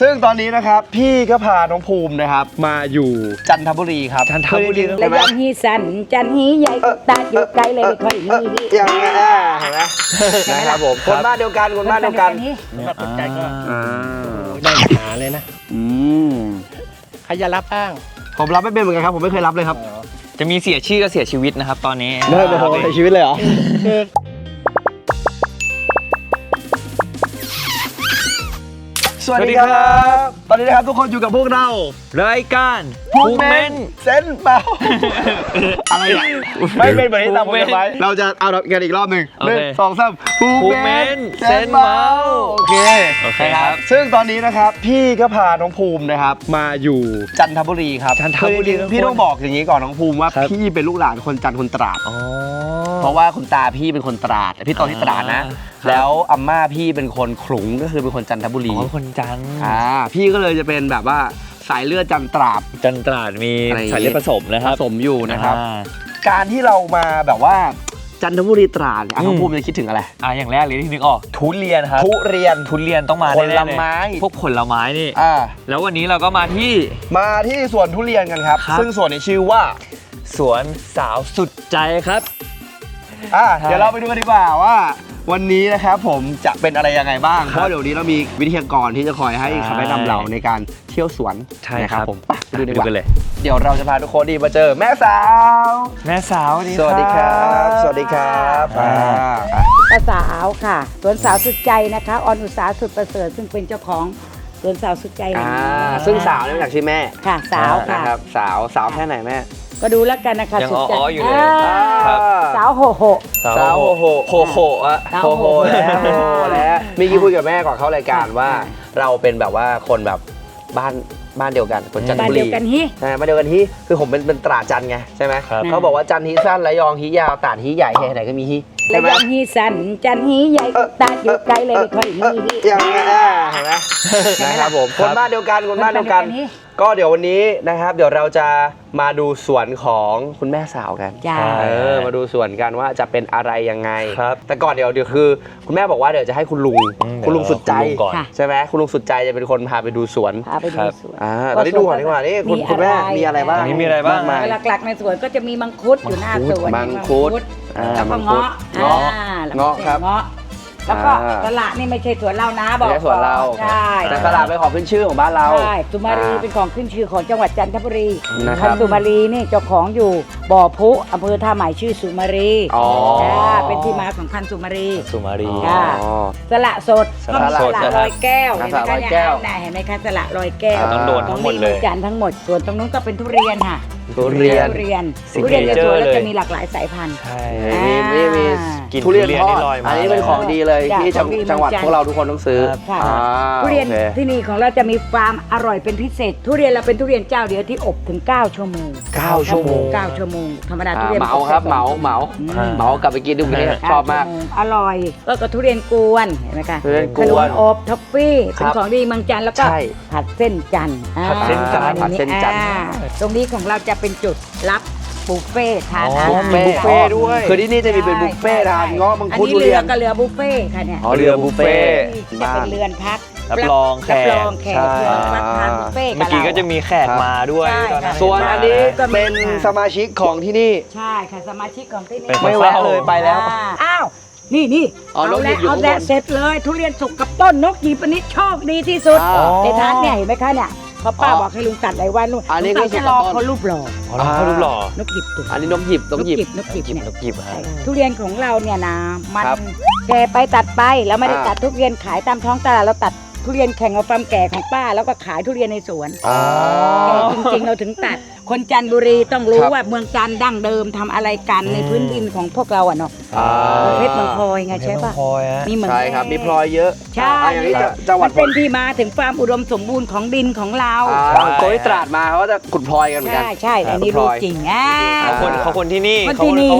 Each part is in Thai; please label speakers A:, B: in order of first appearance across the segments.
A: ซึ่งตอนนี้นะครับพี่ก็พาน้องภูมินะครับมาอยู่จันทบุรีครับจันทบุรี
B: ระยองฮีสันจันฮีใหญ่ตาอยู่ไกลเลยไม่ค่อยมี
A: อย่างนี้เห็นไหมนะครับผมคนบ้านเดียวกันคนบ้านเดียวกัน
C: สนใจก็ได้หาเลยนะใครจะรับบ้าง
A: ผมรับไม่เป็นเหมือนกันครับผมไม่เคยรับเลยครับ
D: จะมีเสียชื่อก็เสียชีวิตนะครับตอนนี้
A: ไม่เป็นไรชีวิตเลยเหรอสวัสดีครับตอนนี้นะครับทุกคนอยู่กับพวกเรา
D: รายการ
A: ภูมิเมนเซนเปล่าอะไรอ่ะไม่เป็นเหมือนที่ตามผมไว้เราจะเอากันอีกรอบหนึ่ง1 2 3ภูมิเมนเซนเมาโอเคครับซึ่งตอนนี้นะครับพี่ก็พาน้องภูมินะครับมาอยู่จันทบุรีครับพี่ต้องบอกอย่างนี้ก่อนน้องภูมิว่าพี่เป็นลูกหลานคนจันทร์คนตราดเพราะว่าคุณตาพี่เป็นคนตราดพี่โตที่ตราดนะแล้วอาม่าพี่เป็นคนขลุงก็คือเป็นคนจันทบุรี
D: คนจันทร์
A: พี่ก็เลยจะเป็นแบบว่าสายเลือดจันตราด
D: มีสายเลือดผสมนะครับ
A: ผสมอยู่นะครับการที่เรามาแบบว่าจันทบุรีตราดน้องภูมิจะคิดถึงอะไร
D: อย่างแรกเลยที่นึกออกทุเรียนครับทุเรียนต้องมา
A: ผลไม้
D: พวกผลไม้นี่แล้ววันนี้เราก็มาที่
A: สวนทุเรียนกันครับซึ่งสวนนี้ชื่อว่า
D: สวนสาวสุดใจครับ
A: เดี๋ยวเราไปดูกันดีกว่าว่าวันนี้นะครับผมจะเป็นอะไรยังไงบ้างเพราะเดี๋ยวนี้เรามีวิทยากรที่จะคอยให้คำแนะนำเราในการเที่ยวสวน
D: นะครับ
A: ผมไปดูกันเลย
D: เดี๋ยวเราจะพาทุกคนมาเจอแม่สาว
A: สวัสดีครับสวัสดีครับ
B: ป้าสาวค่ะสวนสาวสุดใจนะคะออนอุตสาสุดประเสริฐซึ่งเป็นเจ้าของสวนสาวสุดใจ
A: ซึ่งสาวนี่มาจากชื่อแม่
B: ค่ะสาวค่ะ
A: นะครับสาวแค่ไหนแม่
B: ก็ดูแล้วกันนะคะ
D: ยังอ้ออยู่เลย
B: สาวโหโห
A: แล้วมีกี้คุยกับแม่ก่อนเข้ารายการว่าเราเป็นแบบว่าคนแบบบ้านเดียวกันคนจันทบุรี
B: บ้านเดียวกันฮี
A: บ้านเดียวกันฮีคือผมเป็นตราจันไงใช่ไหมเขาบอกว่าจันฮีสั้นระยองฮียาวตราดฮีใหญ่ไหนก็มีฮี
B: ระยองฮีสันจันฮีใหญ่ตาอยู่ไกลเลยไม่ค่อยมี
A: อย่างนี้เห็นไหมนะครับผมคนบ้านเดียวกันก็เดี๋ยววันนี้นะครับเดี๋ยวเราจะมาดูสวนของคุณแม่สาวกันมาดูสวนกันว่าจะเป็นอะไรยังไงแต่ก่อนเดี๋ยวคือคุณแม่บอกว่าเดี๋ยวจะให้คุณลุงสุดใจใช่ไหมคุณลุงสุดใจจะเป็นคนพาไปดูสวนตอนนี้ดูก่อนดีกว่านี่คุณแม่มีอะไรบ้าง
D: มีอะไรบ้าง
B: หลักๆในสวนก็จะมีมังคุดอยู่หน้าสวน
A: มังคุด
B: แล้วก็เงาะ
A: ครับ
B: แล้วก็สละนี่ไม่ใช่สวนเรานะบอก
A: ไม่ใช่สวนเรา
B: ใช่
A: แต่สละเป็นของขึ้นชื่อของบ้านเรา
B: ใช่สุมารีเป็นของขึ้นชื่อของจังหวัดจันทบุรีพันสุมารีนี่เจ้าของอยู่บ่อพุอำเภอท่าใหม่ชื่อสุมารีเป็นที่มาของพันสุมารีสละสดสละลอยแก้วเห็นไหมคะเนี่ยเห็นไหมคะสละลอยแก้ว
D: ต้องโดนทั้งหมดเลย
B: จันทั้งหมดส่วนตรงนู้นก็เป็นทุเรียนค่ะ
A: ทุเรียน
B: ในสวนแล้วจะมีหลากหลายสายพันธุ์
A: มีทุเรียนทอดอันนี้เป็นของดีเลยที่จังหวัดพวกเราทุกคนต้องซื้อ
B: ทุเรียนที่นี่ของเราจะมีความอร่อยเป็นพิเศษทุเรียนเราเป็นทุเรียนเจ้าเดียวที่อบถึง9 ชั่วโมง
A: 9 ชั่วโมง
B: ธรรมดาทุเรียน
A: เหมาครับเหมากลับไปกินดูกันชอบมาก
B: อร่อยก็ทุเรียนกวนเห็นไหมคะขนมอบท็อฟฟี่เป็นของดีเมืองจันทร์แล้วก็ผัดเส้นจันทร์ตรงนี้ของเราจะเป็นจุดรับบุฟเฟ่ทานอาหาร
A: บุฟเฟ่ด้วยคือที่นี่จะมีเป็นบุฟเฟ่ทานเงาะมังคุดทุเรียน
B: ก็เรือบุฟเฟ่ค่ะเนี่ย
A: เรือบุฟเฟ่
B: จะเป็นเรือนพัก
D: รับรองแขก
B: รับทานบุฟเฟ่
D: เมื่อกี้ก็จะมีแขกมาด้วย
A: ส่วนอันนี้เป็นสมาชิกของที่นี่
B: ใช่ค่ะสมาชิกของที่นี่
A: ไม่แวะเลยไปแล้ว
B: อ้าวนี่เอาแล้วเสร็จเลยทุเรียนสุกกับต้นนกหยิบอันนี้โชคดีที่สุดในทานเนี่ยเห็นไหมคะเนี่ยพอป้าบอกให้ลุงตัดหลายวันลุงตัดจะรอเขารูปหล่อนกหยิบตุ่
A: อันนี้นกหยิบ
B: ทุเรียนของเราเนี่ยนะมันแก่ไปตัดไปแล้วไม่ได้ตัดทุเรียนขายตามท้องตลาดเราตัดทุเรียนแข่งกับความแก่ของป้าแล้วก็ขายทุเรียนในสวนแก่จริงๆเราถึงตัดคนจันทบุรีต้องรู้ว่าเมืองจันทร์ดั้งเดิมทำอะไรกันในพื้นดินของพวกเราเนาะเพชรเมืองพลอยไงใช่ป่ะ
A: มีเหมือนใช่ครับมีพลอยเยอะ
B: ใช่จังหวัดเป็นที่มาถึงความอุดมสมบูรณ์ของดินของเรา
A: โกยตราดมาเขาจะขุดพลอยกันเหมือนกัน
B: ใช่อันนี้รู้จริง
D: เขาคนที่นี่
A: เป็น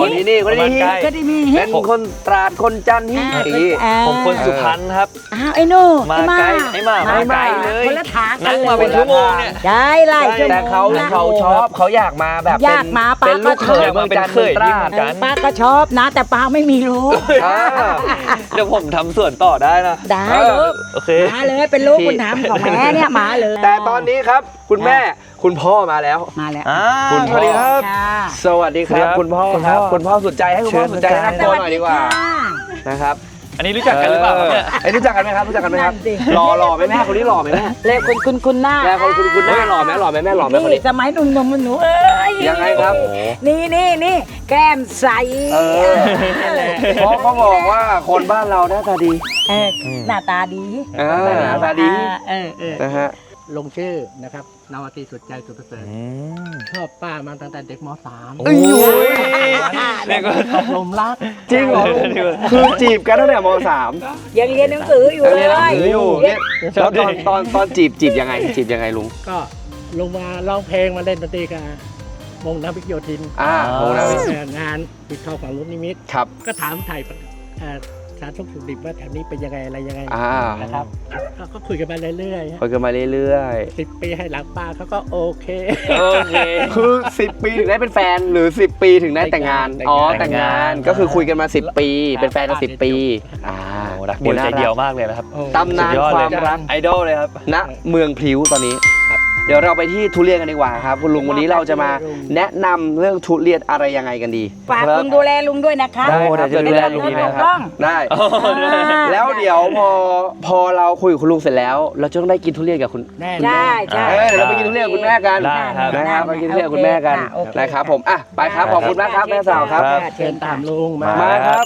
A: คนตราดคนจันทร์ที่
D: ผมคนสุพรรณครับ
B: ไอ้โน่
D: มาไกลเลย
B: คนละทาง
D: นั่งมาเป็นชั่วโมงเนี่ย
B: ได้ไล่
A: แต่เขาชอบ
D: อบเขาอยากมาแบบ
B: อยากมาป้า
D: เป็นลูกเขยเมืองจันทร์เมืองตราด
B: ป้าก็ชอบนะ แต่ป้าไม่มีรู้
D: อ่า
C: เดี๋ยวผมทำส่วนต่อได้นะ
B: ได้ลูก
C: โอเค
B: มาเลยเป็นลูกบุญธรรมของแม่เนี่ยมาเลย
D: แต่ตอนนี้ครับคุณแม่คุณพ่อมาแล้ว
B: มาแล้ว
D: คุณพ่อสวัสดีครับ
B: ค่ะ
D: สวัสดีครับคุณพ่อครับคุณพ่อสุดใจให้คุณพ่อสุดใจแนะนำตัวหน่อยดีกว่า
B: สสค่ะ
D: นะครับ
C: อันนี้รู้จักกันหรือเปล่าครับเนี่ย
D: ไอ้รู้จักกันไหมครับรู้จักกันไหมครับ
B: นั่นสิ
D: หล่อไหมแม่คนนี้หล่อไหมแม่
B: เลขคุณหน้า
D: แม่คนคุณแม่หล่อไหมแม่หล่อไหมคนนี้
B: สมัยหนุ่มๆหนูเอ้ย
D: ยังไงครับ
B: นี่แก้มใส
D: เพราะเขาบอกว่าคนบ้านเราหน้าตาดี
B: เออหน้าตาดี
D: หน้าตาดี
B: เออ
D: นะฮะ
E: ลงชื่อนะครับนาวาตรีสุดใจสุดประเสริฐชอบป้ามาตั้งแต่เด็กม .3
D: เอ้ย
C: นี่ก็
E: ตกหลมรัก
D: จริงเหรอคือจีบกันตั้งแต่ม .3
B: ยังเรียนหนังสืออยู่เลย
D: เรียนหนังสืออยู่เนี่ยแล้วตอนจีบยังไงลุง
E: ก็ลงมาร้องเพลงมาเล่นดนตรีกับวงน้ำพิกโยธิน
D: โอ้นะ
E: งานปิดทองฝั่งรุ่นนิมิต
D: ครับ
E: ก็ถามไทยสารทุกข์สุขดิบว่าแถวนี้เป็นยังไงอะไรยังไง นะครับก็คุยกันมาเรื่อย
D: คุยกันมาเรื่อย
E: ๆ10 ปีให้หลังป้าเขาก็โอเค
C: โอเค
D: ๆคือ10 ปีถึงได้เป็นแฟนหรือ10 ปีถึงได้แต่งงานแต่งงานก็คือคุยกันมา10 ปีเป็นแฟนกัน10 ปี
C: รักเดียวใจเดียวมากเลยนะครับ
D: ตำนานความรัก
C: ไอดอลเลยครับ
D: ณเมืองพลิ้วตอนนี้เดี๋ยวเราไปที่ทุเรียนกันดีกว่าครับคุณลุงวันนี้เราจะมาแนะนำเรื่องทุเรียนอะไรยังไงกันดี
B: ฝากลุงดูแลลุงด้วยนะคะ
D: ได้ครับเดี๋ยวดูแลลุงนะครับได้ แล้วเดี๋ยวพอเราคุยกับคุณลุงเสร็จแล้ว เราจะต้องได้กินทุเรียนกับคุณ
E: แน่
B: ใช่ใช่
D: เดี๋ยวเราไปกินทุเรียนกับคุณแม่กัน
C: ได้ครับ
D: นะครับไปกินทุเรียนกับคุณแม่กัน
B: โอเค
D: นะครับผมไปครับขอบคุณมากครับแม่สาวครับ
E: เชิญตามลุงมา
D: มาครับ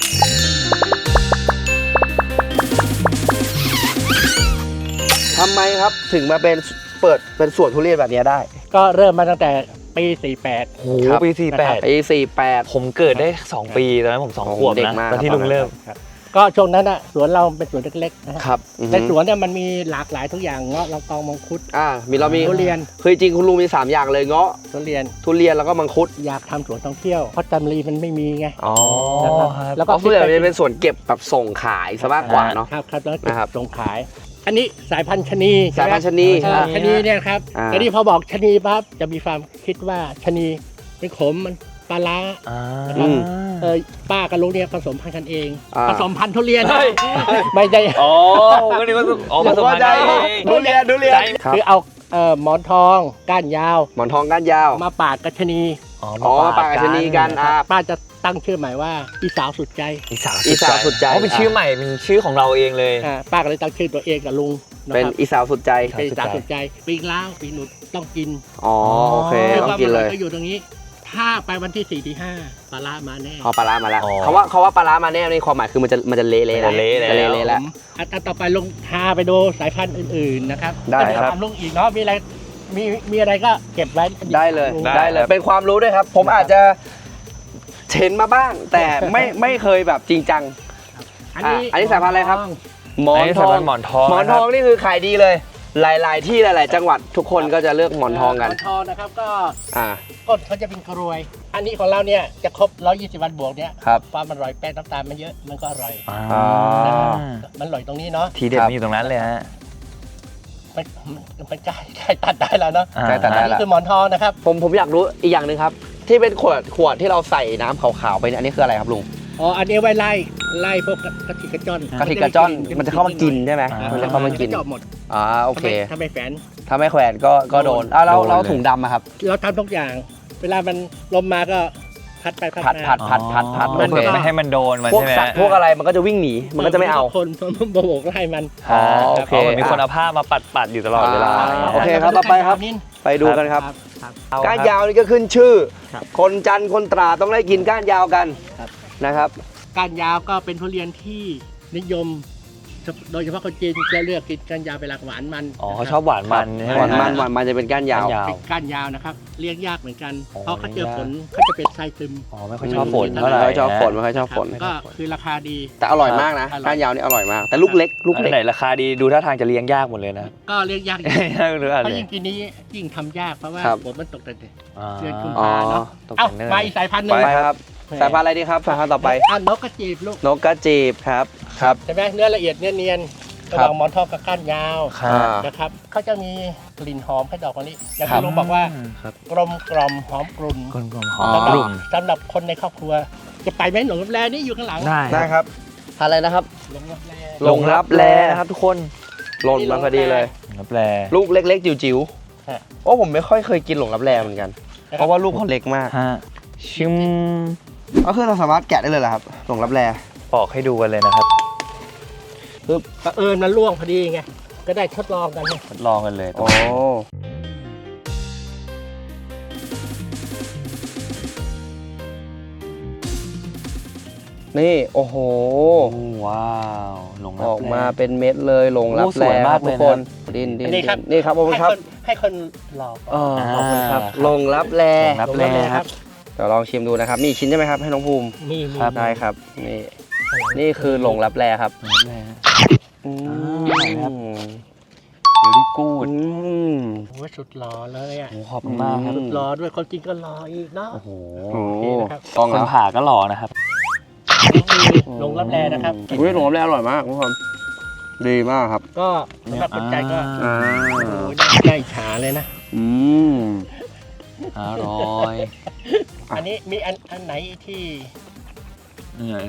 D: ทำไมครับถึงมาเปิดเป็นสวนทุเรียนแบบนี้ได้
E: ก็เริ่มมาตั้งแต่ปี 48
C: โอ้โหปี 48
D: ปี48
C: ผมเกิดได้ 2 ปีตอนนั้นผม2 ขวบ
D: เด็ก
C: นะ
D: มาก
C: ตอนที่ลุงเริ่ม
E: ก็ช่วงนั้นอ่ะสวนเราเป็นสวนเล็กๆนะฮะ
D: ครับ
E: ในสวนเนี่ยมันมีหลากหลายทุกอย่างเงาะลำตองมังคุด
D: เรามี
E: ทุเรียน
D: คือจริงคุณลุงมี3อย่างเลยเงาะ
E: ทุเรียน
D: ทุเรียนแล้วก็มังคุด
E: อยากทำสวนท่องเที่ยวเพราะจันทบุรีมันไม่มีไง
D: อ๋อ
E: นะครับ
C: ครับ
E: แล้ว
D: ก็
E: ก็
D: ส่วนใหญ่จะเป็นส่วนเก็บแบบส่งขายซะมากกว่าเนาะ
E: ครับแล้ว
D: นะครับ
E: ส่งขาย อันนี้สายพันธุ์ชะนี
D: สายพันธุ์ชะนี
E: ใช่ไหมชะนีเนี่ยครับ
D: อ่า
E: ทีนี้พอบอกชะนีปั๊บจะมีความคิดว่าชะนีเป็นขมมันปลาร้า
D: อืม
E: ป้ากับลุงเนี่ยผสมพันธุ์กันเอง ผสมพันธุ์ทุเรียน
C: เฮ้ย
E: ไม่ใช่
C: อ๋อผมก็นึกว่าผสมพันธุ์กันเอง
D: ทุเรียน ครับ
E: คือเอาหมอนทองก้านยาว
D: หมอนทองก้านยาว
E: มาปาดกับชะนี
C: อ๋อ
D: มาปากกับชะนีกัน
E: ป้าจะตั้งชื่อใหม่ว่าอีสาวสุดใจ
C: อีสาว
D: อีสาวสุดใจ
C: อ๋อเป็นชื่อใหม่เป็นชื่อของเราเองเลย
E: ป้าก็เลยตั้งชื่อตัวเองกับลุงนะ
D: เป็น
E: ครับ
D: อีสาวสุดใจ
E: เป็นอีสาวสุดใจปีกล้าวปีหนุดต้องกิน
D: อ๋อโอเค
E: คือ
D: ต้อ
E: ควาง ม
D: กิน
E: อ
D: เล
E: ร่อย
D: ย
E: ก็อยู่ตรงนี้ ถ้าไปวันที่ 4 ที่ 5ปลาร้ามาแน่
D: พอปลาร้ามาแล้ว
C: อ๋อ
D: เขาว่าปลาร้ามาแน่ในความหมายคือมันจะเละๆแล้ว
C: มันจะเละแล้ว
D: จะเละๆแล้ว
E: อันต่อไปลงพาไปดูสายพันธุ์อื่นๆนะครับ
D: ได้ครับ
E: ก็เยวทำลุงอีกเนาะมีอะไรมีอะไรก็เก็บไว้
D: ได้เลย
E: ง
D: ได้เลยเป็นความรู้ด้วยครับ ผมอาจจะเห็นมาบ้าง แต่ไม่เคยแบบจริงจัง อันนี้สายพันธุ์อะไรครับ หมอนทอง
C: หมอนทอง
D: หมอนทองนี่คือขายดีเลย หลายๆที่หลาย ๆ จังหวัดทุกคนก็จะเลือกหมอนทองกัน
E: หมอนทองนะครับก็
D: อ่า
E: ก้นเขาจะเป็นกรวย อันนี้ของเราเนี่ยจะครบ120 วันบวกเนี่ย
D: ครับ
E: ความอร่อยแป้งน้ำตาลมันเยอะมันก็อร่อย
C: อ่า
E: มันอร่อยตรงนี้เนาะ
C: ทีเด็ดมีอยู่ตรงนั้นเลยฮะ
E: มันใกล้ตัดได้แล้วเนาะ
D: ใกล้ตัดได้
E: อันนี้คือหมอนทองนะครับ
D: ผมอยากรู้อีกอย่างหนึ่งครับ ที่เป็นขวดที่เราใส่น้ำขาวๆไปเนี่ยอันนี้คืออะไรครับลุง
E: อ๋ออันนี้ไว้ไล่พวกกระติกกระจ้อน
D: กระติกกระจ้อนมันจะเข้ามากินใช่ไหม
C: อ่า
D: มันจะเข้ามากิน
E: จะหมด
D: โอเค
E: ทำไมแฝน
D: ถ้าไม่แขวนก็โดนเราถุงดำอะครับ
E: เราทำทุกอย่าง เวลามันลมมาก็พัดไปพัด
D: ผัด
E: มา
D: ผัด
C: มันไม่ให้มันโดนมัน
D: พวก
C: ใช่ไหม
D: สัตว์พวกอะไรมันก็จะวิ่งหนีมันก็จะไม่เอา
E: คนโบกไล่มัน
D: อ๋อโอเค
C: เหมือนมีคนเอาผ้ามาปัดอยู่ตลอดเวลา
D: โอเคครับต่อไปครับ ไปดูกันครับ ก้านยาวนี่ก็ขึ้นชื่อ
E: ครับ
D: คนจันทร์คนตราดต้องได้กินก้านยาวกัน
E: ครับ
D: นะครับ
E: ก้านยาวก็เป็นทุเรียนที่นิยม โดยเฉพาะคนจีนจะเลือกกินก้านยาวเป็นหลักหวานมัน
C: อ๋อเขาชอบหวานมันใช่ไหม
D: หวานมันจะเป็นก้านยาว
C: ก้านยาว
E: เป็นก้านยาวนะครับเลี้ยงยากเหมือนกัน
C: อ๋อ
E: เพราะเขาเจอฝนเขาจะเป็นไส้ซึม
C: อ๋อไม่ค่อยชอบฝนเท่าไห
D: ไม่
C: ร่
D: ค่อยชอบฝนไม่ค่อยชอบฝน
E: ก็คือราคาดี
D: แต่อร่อยมากนะ
E: อร่อย
D: ก้านยาวนี่อร่อยมาก แต่ลูกเล็ก
C: อันไหนราคาดีดูท่าทางจะเลี้ยงยากหมดเลยนะ
E: ก็เลี้ยงยากอยู่
C: หรืออะไร
E: เพราะยิ่งปีนี้ยิ่งทำยากเพราะว่า
D: ครับ
E: ฝนมันตกแต่
C: อ่า
E: เดือนกุม
D: อ๋อ
E: ภาเนาะ
C: ตก
E: เอ้า
C: แต่เนิ่น
E: มาอีกสายพันธุ์หนึ่ง
D: ไปครับสายพันธุ์อะไรดีครับสายพันธุ์ต่อไป
E: นกกระจีบลูก
D: นกกระจีบครับ
E: ใช่ไหมเนื้อละเอียดเนื้อเนียนระหว่างหมอนทองกับก้านยาว
A: ครับ
E: นะครับเขาจะมีกลิ่นหอมให้ดอกมะลิอย่าง
A: ครับ
E: ที่ลุงบอกว่า
C: ครับ
E: กลมกล่อมหอมกลุ่น
C: กลมๆหอม
E: สำห
C: ก
E: รับ
C: ลุ่น
E: สำหรับคนในครอบครัว จะไปไหมหลงรับแลนี่อยู่ข้างหลัง
A: ได้ครับ
D: อะไรนะครับ
E: หลงรับแล
D: หลงรับแลนะครับทุกคนหล่นมาพอดีเลย
C: รับแล
D: ลูกเล็กๆจิ๋ว
E: ฮะ
D: ๆโอ้ผมไม่ค่อยเคยกินหลงรับแลเหมือนกัน เพราะว่าลูกเขาเล็กมาก
C: ฮะชิม
A: ก็คือเราสามารถแกะได้เลยเหรอครับหลงรับแล
C: ปอกให้ดูกันเลยนะครับ
E: คือบังเอิญมันล่วงพอดีไงก็ได้ทดลองกันไง
C: ทดลองกันเลย
A: โอ้
D: นี่โอ้โห
C: ว้าวหลงรั
D: อบ อก
C: แล
D: มาเป็นเม็ดเลยหลงรับ
C: โอ้ส
D: แล
C: วยมาก
D: ทุก
C: เลย
D: ค
C: นะ
D: นดิน
E: อันนี้ครับ
D: นี่ครับขอบคุณครับ
E: ให้คนหลอก
D: ขอบคุณครับ
C: อ่า
D: หลงรับแล
C: หลงรับแลครับ
D: เดี๋ยวลองชิมดูนะครับมีอีกชิ้นใช่ไหมครับให้น้องภูมิ
E: มี
C: ครับ
D: ได้ครับนี่นี่คือหลงรับแลครับ
C: หลงรับแล
D: อื
C: ครับ
D: ม
C: very good
D: อืม
E: โอ้ยสุดหล่อเลยอ่ะ
C: โอ้ขอบคุณมากครับ
E: สุดหล่อด้วยคนกินก็หล่ออีกเนาะ
C: โอ้โห
D: โอ้
E: โอเคนะครับ
D: ต้อง
C: คน
D: แล้ว
C: ผ่าก็หล่อนะครับ
E: หลงรับแลนะครับ
D: อุ้ยหลงรับแลอร่อยมากทุกคนดีมากครับ
E: ก็สำหรับคนใจก็
D: อ่า
E: โอ้ยได้ฉาเลยนะ
D: อืม
C: อร่อย
E: อันนี้มีอันไหนที่
C: นี่ไง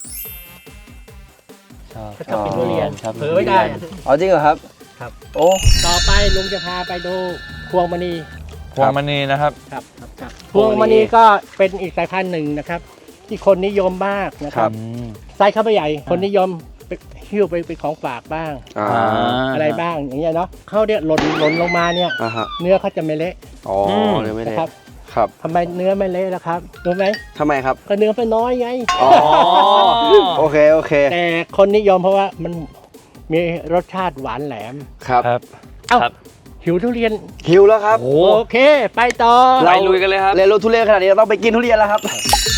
C: ชอบ
E: เขาชอบกินทุเรียน
C: ชอบกิน
E: เผลอไม่ได้อะ
D: เอาจริงเหรอครับ
E: ครับ
D: โอ้
E: ต่อไปลุงจะพาไปดูพวงมณี
C: พวงมณีนะครับ
E: ครับพวงมณีก็เป็นอีกสายพันธุ์หนึ่งนะครับ ที่คนนิยมมากนะค
D: ครั
E: รับ
D: บ
E: ไซส์เขาไม่ใหญ่ คนนิยมไปหิ้วไปเป็นของฝากบ้าง
D: อ่า
E: อะไรบ้างอย่างเงี้ยเนาะเขาเนี่ยหล่นลงมาเนี่ย
D: อ่าฮะ
E: เนื้อเขาจะไม่เละ
D: อ๋อเดี๋ยวไม่ได้
E: นะครับ
D: ครับ
E: ทำไมเนื้อไม่เละล่ะครับรู้ไหม
D: ทำไมครับ
E: ก็เนื้อมันน้อยไง
D: อ๋อโอเคโอเค
E: แต่คนนิยมเพราะว่ามันมีรสชาติหวานแหลม
D: ครับ
C: ครับ
E: เอ้า
C: ครับ
E: หิวทุเรียน
D: หิวแล้วครับ
C: โอ้
E: โอเค ไปต่อ
C: ไปลุยกันเลยครับ
D: เรียนรู้ทุเรียนขนาดนี้เราต้องไปกินทุเรียนแล้วครับ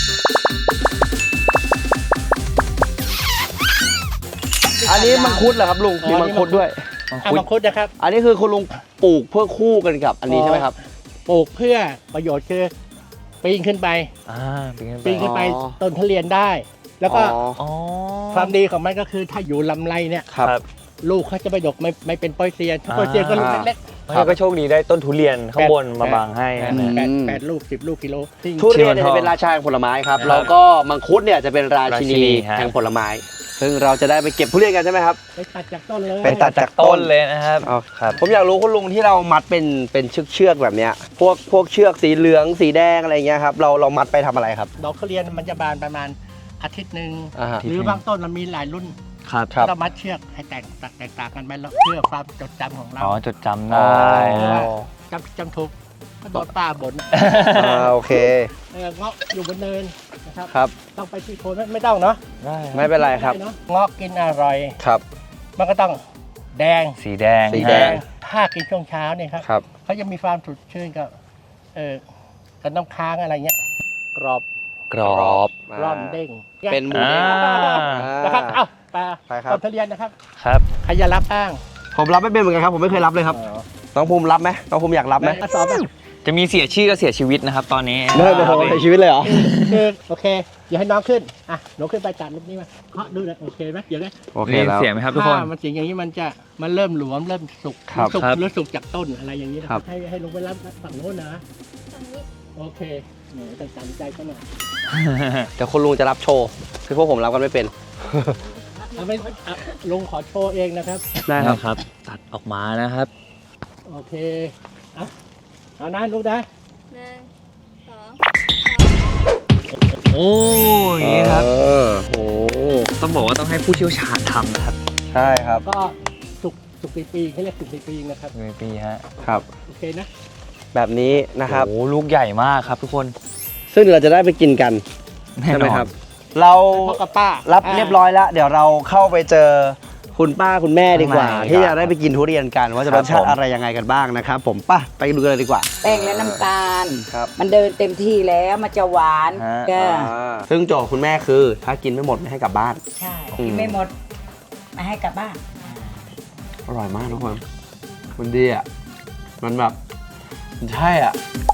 D: อันนี้มังคุดเหรอครับลุงมีมังคุดด้วย
E: เอามังคุดนะครับ
D: อันนี้คือคุณลุงปลูกเพื่อคู่กันกับอันนี้ใช่ไหมครับ
E: ปลูกเพื่อประโยชน์คือปีนขึ้นไป
C: เป็นไง
E: ปีนขึ้นไป
D: อ๋อ
E: ต้นทุเรียนได้ แล้วก็
D: อ๋อ
C: อ๋อ
E: ความดีของมันก็คือถ้าอยู่ลำไรเนี่ย
D: ครับ
E: ลูกเขาจะไม่ดกไม่เป็นปอยเซียนถ้าปอยเซียนก็ลูกเล็ก
C: แล้วก็โชคดีได้ต้นทุเรียนข้างบนมาบังให้
E: ๆ
C: นะ
E: แปดลูก10 ลูกกิโลจริง
D: ทุเรียนเนี่ยจะเป็นราชาแห่งผลไม้ครับ
C: ครับ
D: แล้วก็มังคุดเนี่ยจะเป็นราชินี
C: ราชินีฮะ
D: แห่งผลไม้ ซึ่งเราจะได้ไปเก็บทุเรียนกันใช่ไหมครับ
E: ไปตัดจากต้นเลย
D: ไปตัด
C: จากต้นเลยนะครับ
D: เอา
C: ครับ
D: ผมอยากรู้คุณลุงที่เรามัดเป็นเชือกแบบเนี้ยพวกเชือกสีเหลืองสีแดงอะไรเงี้ยครับเรามัดไปทำอะไรครับ
E: ดอกทุเรียนมันจะบานประมาณอาทิตย์หนึ่ง
D: อ่าฮะ
E: หรือบางต้นมันมีหลายรุ่น
C: ครับ
D: ครับ
E: เรามัดเชือกให้แตกต่างกันไปแล้วเพื่อความจดจำของเรา
C: อ๋อจดจำได้
E: เพราะ
C: นะ
E: ว่าจำถูกก็โดนป้าบ่น
D: โอเค
E: เงาะอยู่บนเนินนะครับ
D: ครับ
E: ต้องไปที่โคนไม่ต้องเนาะ
C: ได้
D: ไม่เป็นไรครับ
E: เนาะเงาะกินอร่อย
D: ครับ
E: มันก็ต้องแดง
C: สีแดง
D: สีแดง
E: ถ้ากินช่วงเช้าเนี่ยครับ
D: ครับ
E: เขาจะมีความสดชื่นกับกับน้ำค้างอะไรเงี้ยกรอบ
C: กรอบ
E: ร่อนเด้ง
D: เป็นหมู
C: อ่า
D: เด้ง
E: นะครับเอ้าไป
D: ไปครับ
E: ต้นทุเรียนนะครับ
C: ครับ
E: ใครจะรับบ้าง
A: ผมรับไม่เป็นเหมือนกันครับผมไม่เคยรับเลยครับ
D: น้องภูมิรับไหมน้องภูมิอยากรับไหม
E: กระสอบอ่ะ
C: จะมีเสียชื่อกับเสียชีวิตนะครับ ตอนนี้
D: ไม่เป็นไรในชีวิตเลยเหรอ
E: คือโอเคอย่าให้น้องขึ้นอ่ะหนูขึ้นไปตัดรูปนี้มาเคาะดูนะโอเคไหมเดี๋ยวนะ
D: โอเค
C: นี่
D: แล้ว
C: เสียงไหมครับทุกคน
E: ถ้ามันเสียงอย่างนี้มันเริ่มหลวมเริ่มสุก
D: ครับ
E: สุก
C: ครับ
E: หรือสุกจากต้นอะไรอย่างนี้นะครับ ให้ลงไปรับฝั่งโน้นนะโอเคหนูต้องตัดใจเขาหน่อย
D: เดี๋ยวคุณลุงจะรับโชว์คือพวกผมรับกันไม่เป็น
E: เอาไม่เอาลุงขอโชว์เองนะครับ
D: ได้ครับ
C: นะครับ ตัดออกมานะครับ
E: โอเคเอานะลูกนะ
C: โอ้ยอย่างนี้ครับ
D: โอ้
C: ต้องบอกว่าต้องให้ผู้เชี่ยวชาญทำนะครับ
D: ใช่ครับ
E: ก็สุกปีเขาเรียกสุกปีนะครับ
C: มีปีฮะ
D: ครับ
E: โอเคนะ
D: แบบนี้นะครับ
C: โอ้ลูกใหญ่มากครับทุกคน
D: ซึ่งเราจะได้ไปกินกัน
C: แน่
D: ใช่
C: น
D: ไหม
C: อน
D: ครับ เรา
E: พ่อกับป้า
D: รั
E: รั
D: เรียบร้อยแล้ว เดี๋ยวเราเข้าไปเจอคุณป้าคุณแม่ดีกว่า
C: ข้างใน
D: ที่จะได้ไปกินทุเรียนกัน ว่าจะ
C: ค
D: ร
C: รับ
D: สชา
C: ผ
D: ติ
C: ม
D: อะไรยังไงกันบ้างนะครับ ผมไป้าไปดูกันเลยดีกว่า
B: แป้งและน้ำตาล
D: ครับ
B: มันเดินเต็มที่แล้วมันจะหวาน
C: ฮะ
B: ก็
D: ซึ่งโจทย์คุณแม่คือถ้ากินไม่หมดไม่ให้กลับบ้าน
B: ใช่กินไม่หมดมาให้กลับบ้าน
D: อร่อยมากทุกคนมันดีอ่ะมันแบบมันใช่อ่ะ